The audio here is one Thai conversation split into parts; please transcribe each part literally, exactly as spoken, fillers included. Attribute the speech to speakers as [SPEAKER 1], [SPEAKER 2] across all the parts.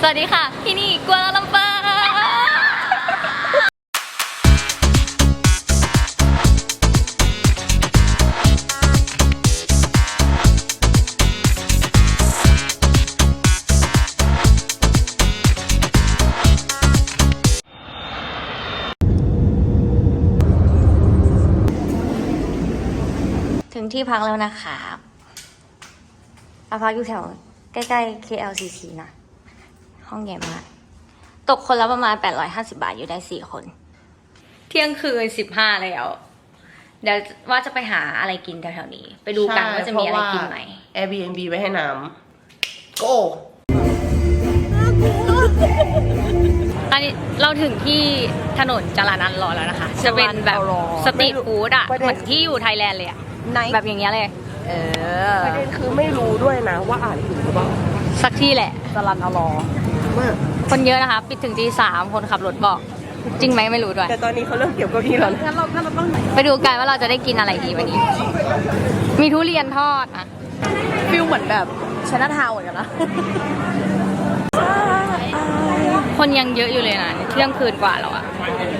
[SPEAKER 1] สวัสดีค่ะที่นี่กัวลาลัมเปอร์ถึงที่พักแล้วนะคะพักอยู่แถวใกล้ๆ เค แอล ซี ซี นะห้องใหญ่มากตกคนละประมาณแปดร้อยห้าสิบบาทอยู่ได้สี่คนเที่ยงคืนสิบห้าแล้วเดี๋ยวว่าจะไปหาอะไรกินแถวๆนี้ไปดูกันว่าจะมีอะไรกินไหม
[SPEAKER 2] Airbnb ไว้ให้น้ำโก้
[SPEAKER 1] ตอนนี้เราถึงที่ถนนจรานันรอแล้วนะคะจะเป็นแบบสตรีทฟู้ดอะเหมือนที่อยู่ไทยแลนด์เลยอะแบบอย่างเงี้ยเลยเออ
[SPEAKER 2] ประเด็นคือไม่รู้ด้วยนะว่าอ่านถูกหรือเปล่า
[SPEAKER 1] สักที่แหละ
[SPEAKER 2] จรานันรอ
[SPEAKER 1] คนเยอะนะคะปิดถึงตีสามคนขับรถบอกจริงไหมไม่รู้ด้วย
[SPEAKER 2] แต่ตอนนี้เขาเริ่มเก็บเก้าอี้แล้วงั้นเรางั้นเราต้อง
[SPEAKER 1] ไปดูกันว่าเราจะได้กินอะไรดีวันนี้มีทุเรียนทอดอะ
[SPEAKER 2] ฟิลเหมือนแบบชนะทาวเหมือนกันนะ
[SPEAKER 1] คนยังเยอะอยู่เลยนะเที่ยงคืนกว่าแล้วอะ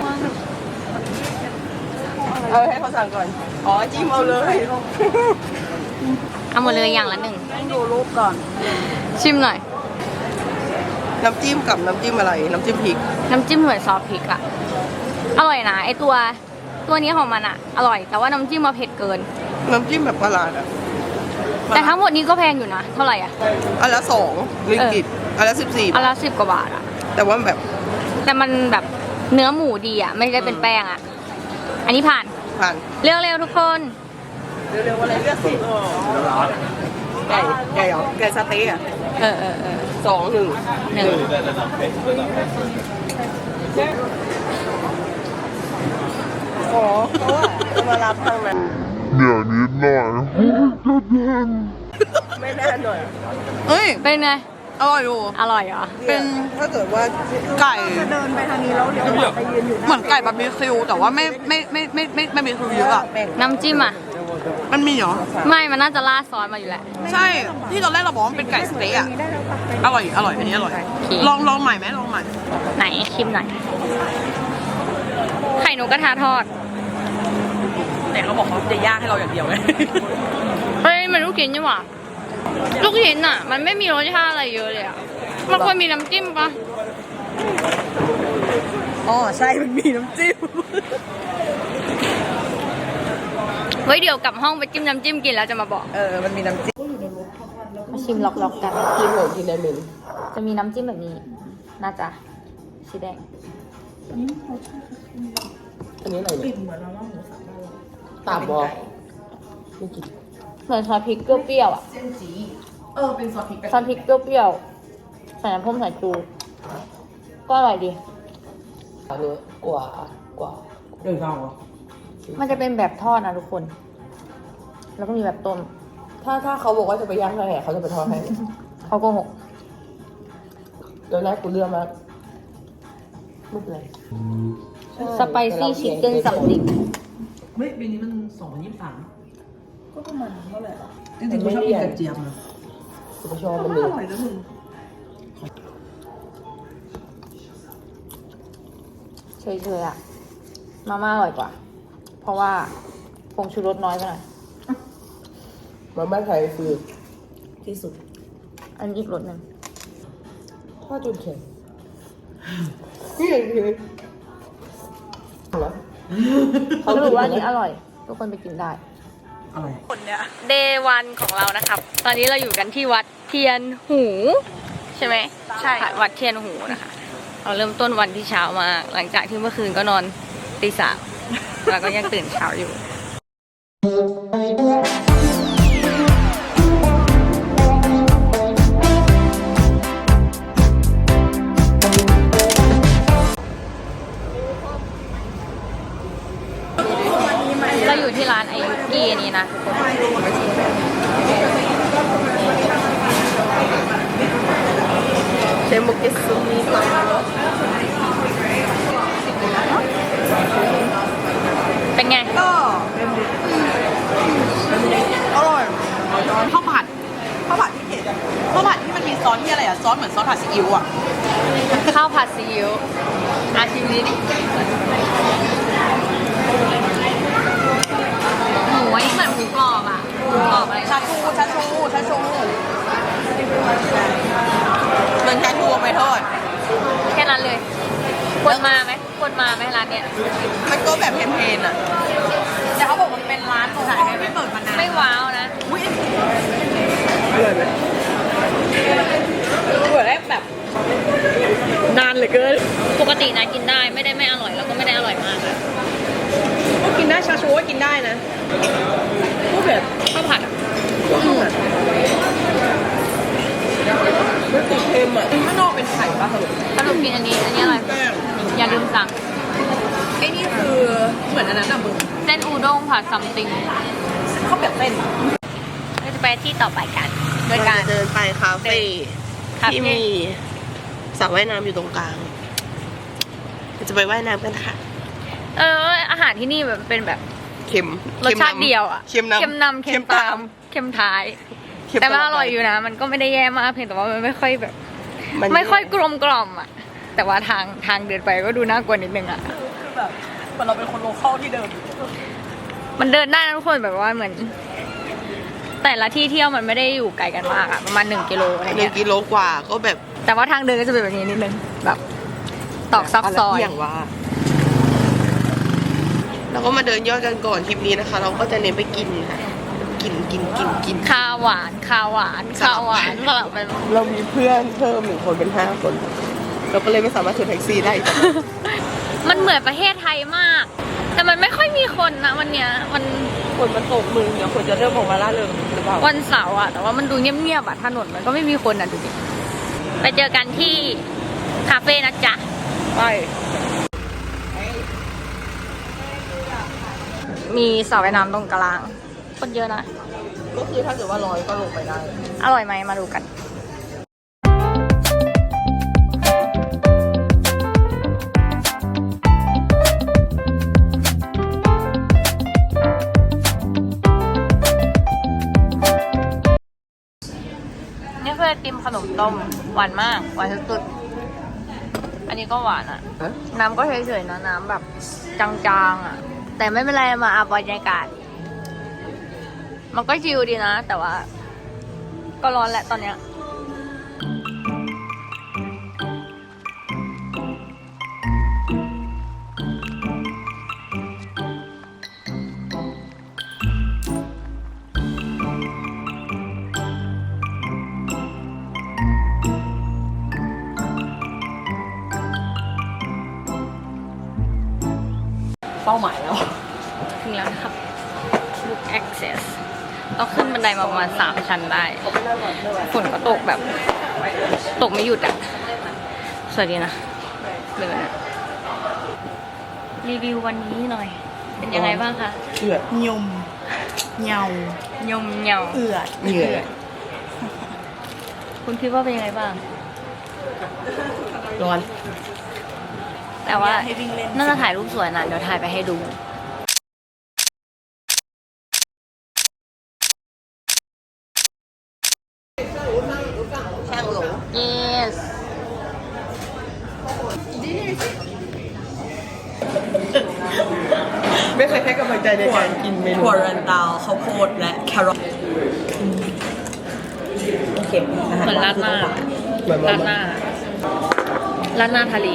[SPEAKER 2] เอาให้เขาสั่งก่อนอ๋อจิ้มเอาเลย
[SPEAKER 1] เอาหมดเลยอย่างละหนึ่ง
[SPEAKER 2] ดูรูปก่อน
[SPEAKER 1] ชิมหน่อย
[SPEAKER 2] น้ำจิ้มกับน้ำจิ้มอะไรน้ำจิ้มพริก
[SPEAKER 1] น้ำจิ้มเหมือนซอสพริกอะอร่อยนะไอตัวตัวนี้ของมันอะอร่อยแต่ว่าน้ำจิ้มมาเผ็ดเกิน
[SPEAKER 2] น้ำจิ้มแบบประหลาดอะ
[SPEAKER 1] แต่ทั้งหมดนี้ก็แพงอยู่นะเท่าไหร่อะ
[SPEAKER 2] อันละสองริงกิตอันละสิบสี่
[SPEAKER 1] อันละสิบกว่าบาทอะ
[SPEAKER 2] แต่ว่าแบบ
[SPEAKER 1] แต่มันแบบเนื้อหมูดีอะไม่ได้เป็นแป้งอะอันนี้ผ่าน
[SPEAKER 2] ผ่าน
[SPEAKER 1] เร็วๆทุกคน
[SPEAKER 2] เร็วๆอะไรเลือกสิไก่ไก่เหรอไก่สเต๊ะอะ
[SPEAKER 1] เออเออเออ
[SPEAKER 2] สองหนึ่ง
[SPEAKER 1] หนึ่ง
[SPEAKER 2] อ๋อเขาอะจะมารับทางนั้น
[SPEAKER 3] เดี๋ยวนิดหน่อยจะแน่น
[SPEAKER 2] ไม่แน่นหน่อย
[SPEAKER 1] เฮ้ยเป็นไง
[SPEAKER 2] อร่อยอยู่
[SPEAKER 1] อร่อยเหรอ
[SPEAKER 2] เป็นถ้าเกิดว่าไก่จะเดินไปทางนี้แล้วเดี๋ยวไปยืนอยู่เหมือนไก่บาร์บีคิวแต่ว่าไม่ไม่ไม่ไม่ไม่ไม่มีคิวเยอะอะ
[SPEAKER 1] น้ำจิ้มอะ
[SPEAKER 2] มันมีเหรอ
[SPEAKER 1] ไม่มันน่าจะราดซอสมาอยู่แหละ
[SPEAKER 2] ใช่ที่ตอนแรกเราบอกว่ามันเป็นไก่สเต๊ะอะอร่อยอร่อยอันนี้อร่อยลองลองใหม่ไหมลองใหม่
[SPEAKER 1] ไหนชิมหน่อยไข่นกกระทะทอด
[SPEAKER 2] แต่เขาบอกเขาจะย่างให้เราอย่างเดียวไง
[SPEAKER 1] เฮ้ยมันลูกชิ้นใช่ปะลูกชิ้นอะมันไม่มีรสชาติอะไรเยอะเลยอะมันควรมีน้ำจิ้มปะ
[SPEAKER 2] อ๋อใช่มันมีน้ำจิ้ม
[SPEAKER 1] ไว้เดี๋ยวกลับห้องไปจิ้มน้ำจิ้มกินแล้วจะมาบอก
[SPEAKER 2] เออมันมีน้ำจิ้ม
[SPEAKER 1] มาชิมล็อกๆกัน
[SPEAKER 2] กินเหมือนกินไดมิน
[SPEAKER 1] จะมีน้ำจิ้มแบบนี้น่าจะสีแดง
[SPEAKER 2] อันนี้อะไรเนี่ยเหมือนเราว่าหมูสับตาบอไม่กิน
[SPEAKER 1] เหมือนซอสพริกเปรี้ยวๆอ่ะ
[SPEAKER 2] เส้นจีเออเป็นซอสพริก
[SPEAKER 1] ซอสพริกเปรี้ยวๆใส่น้ำส้มสายชูก็อร่อยดี
[SPEAKER 2] อันนี้กว่ากว่าเรื่องข้าว
[SPEAKER 1] มันจะเป็นแบบทอดนะทุกคนแล้วก็มีแบบต้ม
[SPEAKER 2] ถ้าถ้าเขาบอกว่าจะไปย่างทอดแห่เขาจะไปทอดให้
[SPEAKER 1] เขาโกหก
[SPEAKER 2] ตอนแรกกูเลือกมาไม่เป็นไร
[SPEAKER 1] สไปซี่ชิคเก้นสับดิบ
[SPEAKER 4] เฮ้ยปีนี้มันสองพันยี่สิบสามก็ประมาณเท่าไหร่อ่ะจริงๆกูชอบกินกระเจี๊ยบนะ
[SPEAKER 2] กูชอบมัน
[SPEAKER 4] อร่อยนะมึง
[SPEAKER 1] เฉยๆอ่ะมาม่าอร่อยกว่าเพราะว่าผงชูรสน้อยไปหน่อย
[SPEAKER 2] มาม่าไทยคือที่สุด
[SPEAKER 1] อันนี้อีกรสหนึ่ง
[SPEAKER 2] ทอดจนแข็งนี่อย่างนี้
[SPEAKER 1] เขารู้ว่านี้อร่อยทุกคนไปกินได้
[SPEAKER 4] อะไร
[SPEAKER 2] คนเนี้ย
[SPEAKER 1] เดย์วันของเรานะครับตอนนี้เราอยู่กันที่วัดเทียนหูใช่ไหมใช่วัดเทียนหูนะคะเราเริ่มต้นวันที่เช้ามากหลังจากที่เมื่อคืนก็นอนตีสามแล้วก็ยังตื่นเช้าอยู่เราอยู่ที่ร้านไอยุกี้นี่นะ
[SPEAKER 2] เชมบุกิซุมิ
[SPEAKER 1] เป็นไง
[SPEAKER 2] ก็อร่อยข้าวผัดข้าวผัดที่เผ็ดข้าวผัดที่มันมีซอสที่อะไรอะซอสเหมือนซอสผัดซีอิ๊วอะ
[SPEAKER 1] ข้าวผัดซีอิ๊วอาชิมนี้ดิหมูนี่เหมือนหมูกรอบอ่ะหมูกรอบอะไร
[SPEAKER 2] ชาชูชาชูชาชูเหมือนชาชูเอาไปทอด
[SPEAKER 1] แค่นั้นเลยควรมาไหมควรมาไหมร้านเนี้ย
[SPEAKER 2] มันก็แบบเพลนๆอะแต่เขาบอกมันเป็นร้านของเขาไม่เปิดมานาน
[SPEAKER 1] ไม่ว้าวนะ
[SPEAKER 2] อุ้ยอร่อยไหมอร่อยได้แบบนานเหลือเกิน
[SPEAKER 1] ปกตินะกินได้ไม่ได้ไม่อร่อยแล้วก็ไม่ได้อร่อยมากอะ
[SPEAKER 2] ก็กินได้ชาชูก็กินได้นะก็แบบ
[SPEAKER 1] ข้าวผัดอะ
[SPEAKER 2] ไม่ติดเค็มอ่ะข้างนอกเป็นไข่ป่ะสรุป
[SPEAKER 1] สรุปกินอันนี้อันนี้อะไร
[SPEAKER 2] แป้ง
[SPEAKER 1] อย่าลืมสั่ง
[SPEAKER 2] ไอ้นี่คือเหมือนอันนั้นอะมึง
[SPEAKER 1] เส้นอูด้งผัดซัมติง
[SPEAKER 2] ข้าวแบบเต้น
[SPEAKER 1] เราจะไปที่ต่อไปกันโดยการ
[SPEAKER 2] เดินไปคาเฟ่
[SPEAKER 1] คา
[SPEAKER 2] ที่
[SPEAKER 1] เฟ่
[SPEAKER 2] มีสระว่ายน้ำอยู่ตรงกลางเราจะไปว่ายน้ำกันค่ะ
[SPEAKER 1] เอออาหารที่นี่แบบเป็นแบบ
[SPEAKER 2] เค็ม
[SPEAKER 1] รสชาติเดียวอ่ะ
[SPEAKER 2] เค็มนำ
[SPEAKER 1] เค็มนำเค็มตามเค็มท้าย
[SPEAKER 2] เค็ม
[SPEAKER 1] แต่มัน
[SPEAKER 2] ล
[SPEAKER 1] อ
[SPEAKER 2] ด
[SPEAKER 1] ร่อย
[SPEAKER 2] ไป
[SPEAKER 1] อยู่นะ มันก็ไม่ได้แย่มากเพียงแต่ว่ามันไม่ค่อยแบบ
[SPEAKER 2] มัน
[SPEAKER 1] ไม่ค่อยกลมกล่อมอ่ะ แต่ว่าทางทางเดินไปก็ดูน่ากลัวนิดนึงอ่ะ
[SPEAKER 2] คือแบบเหมือนเราเป็นคนโลคอลที่เดิม
[SPEAKER 1] มันเดินได้นะทุกคนแบบว่าเหมือน แต่ละที่เที่ยวมันไม่ได้อยู่ไกลกันมากอ่ะประมาณหนึ่งกิโลอะไร
[SPEAKER 2] หนึ่
[SPEAKER 1] เงี้
[SPEAKER 2] ง
[SPEAKER 1] ย
[SPEAKER 2] กิโลกว่าก็แบบ
[SPEAKER 1] แต่ว่าทางเดินก็จะเป็นแบบนี้นิดนึงแบบตอกซับซอย
[SPEAKER 2] อย่างว่าเราก็มาเดินย่อยกันก่อนทริปนี้นะคะ เราก็จะเน้นไปกินค่ะกินกินกินกิน
[SPEAKER 1] ข้าวหวานข้าวหวานข้าวหวานสลับไป
[SPEAKER 2] เรามีเพื่อนเพิ่มหนึ่งคนเป็นห้าคน เราก็เลยไม่สามารถขึ้นแท็กซี่ได้
[SPEAKER 1] มันเหมือนประเทศไทยมาก แต่มันไม่ค่อยมีคนนะวันเนี้ยมัน
[SPEAKER 2] คนมันตกมือเดี๋ยวคนจะเริ่มออกมาล่าเริงหรือเปล่า
[SPEAKER 1] วันเสาร์อะแต่ว่ามันดูเงียบๆอะถนนมันก็ไม่มีคนอะดูดิไปเจอกันที่คาเฟ่นะจ๊ะ
[SPEAKER 2] ไป
[SPEAKER 1] มีสระว่ายน้ำตรงกลางคนเยอะนะ
[SPEAKER 2] ก็คือถ้าเกิดว่าร้อยก็ลงไปได้
[SPEAKER 1] อร่อยไหมมาดูกัน นี่คือไอติมขนมต้มหวานมาก หวานสุดๆอันนี้ก็หวานอ่ะ น้ำก็เฉยๆนะน้ำแบบจางๆอ่ะ แต่ไม่เป็นไรมาอาบบรรยากาศ มันก็ชิลดีนะ แต่ว่า ก็ร้อนแหละตอนเนี้ย
[SPEAKER 2] เป้าหมายแล้ว
[SPEAKER 1] ถึงแล้วนะครับ Book Access ต้องขึ้นบันไดมาประมาณสามชั้นได้ ฝนก็ตกแบบ ตกไม่หยุดอ่ะ สวยดีนะเดินอะรีวิววันนี้หน่อย เป็นยังไงบ้างคะ
[SPEAKER 2] เอือดยมเงาย
[SPEAKER 1] มเหยา
[SPEAKER 2] เอือดเหนื่อย
[SPEAKER 1] คุณคิดว่าเป็นยังไงบ้าง
[SPEAKER 2] ร้อน
[SPEAKER 1] แต่ว่าน่าจะถ่ายรูปสวยนะเดี๋ยวถ่ายไปให้ดู
[SPEAKER 2] ช่างหลง
[SPEAKER 1] yes
[SPEAKER 2] ไม่เคยให้กำลังใจในการกินเมนูถั่วรันเตาข้าวโพดและแครอทโอเค
[SPEAKER 1] เหมือนราดหน้า
[SPEAKER 2] เหมือน
[SPEAKER 1] ราดหน้าราดหน้าทะเล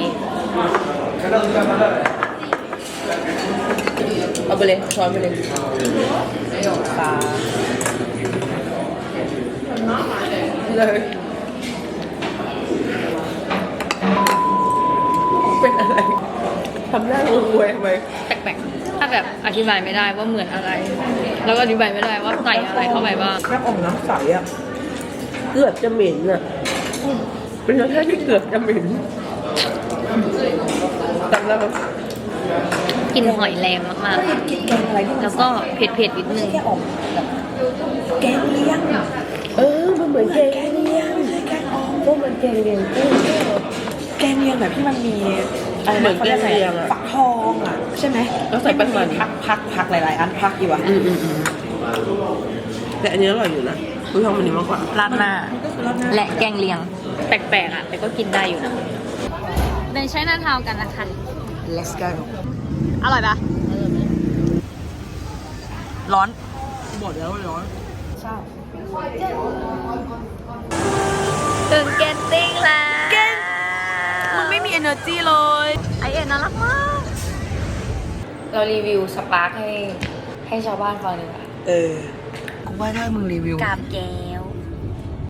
[SPEAKER 2] เอาไปเลยช้อนไปเลยปลาเลยเป็นอะไรทำหน้างงวยทำไม
[SPEAKER 1] แปลกๆถ้าแบบอธิบายไม่ได้ว่าเหมือนอะไร แล้วก็อธิบายไม่ได้ว่าใส่อะไรเข้าไปบ้าง
[SPEAKER 2] น้ำอมน้ำใสอ่ะเกือบจะเหม็นอ่ะเป็นรสชาติที่เกือบจะเหม็นจำได้ไหม
[SPEAKER 1] กลินหอยแรงมากๆ แล้วก็เผ็ดๆนิดนึง
[SPEAKER 2] แกงเลี้ยงเออมันเหมือนแกงเลี้ยงแกงออมก็เหมือนแกงเลี้ยงกุ้งแกงเลี้ยงแบบที่มันมีอะไรเหมือนแกงเลี้ยงอะฝักทองอ่ะใช่ไหมแล้วใส่มันพักพักพักหลายๆอันพักอยู่อ่ะอืมอืมอืมแต่อันนี้อร่อยอยู่นะกูชอบอันนี้มากกว่าราดหน้า
[SPEAKER 1] และแกงเลียง แปลกๆอ่ะ แต่ก็กินได้อยู่นะเดินใช้หน้าเท้ากันนะคะ
[SPEAKER 2] let's go
[SPEAKER 1] อร่อยปะ
[SPEAKER 2] ร้อน
[SPEAKER 4] บอกแล้วว่าร้อน
[SPEAKER 1] ถึงเกนติ้งแล้ว
[SPEAKER 2] มันไม่มี energy เลย
[SPEAKER 1] ไอเอ็นน่ารักมาก เรารีวิวสปาร์คให้ให้ชาวบ้านฟังดีกว่า
[SPEAKER 2] เออ กูว่าถ้ามึงรีวิว
[SPEAKER 1] กาบแก้ว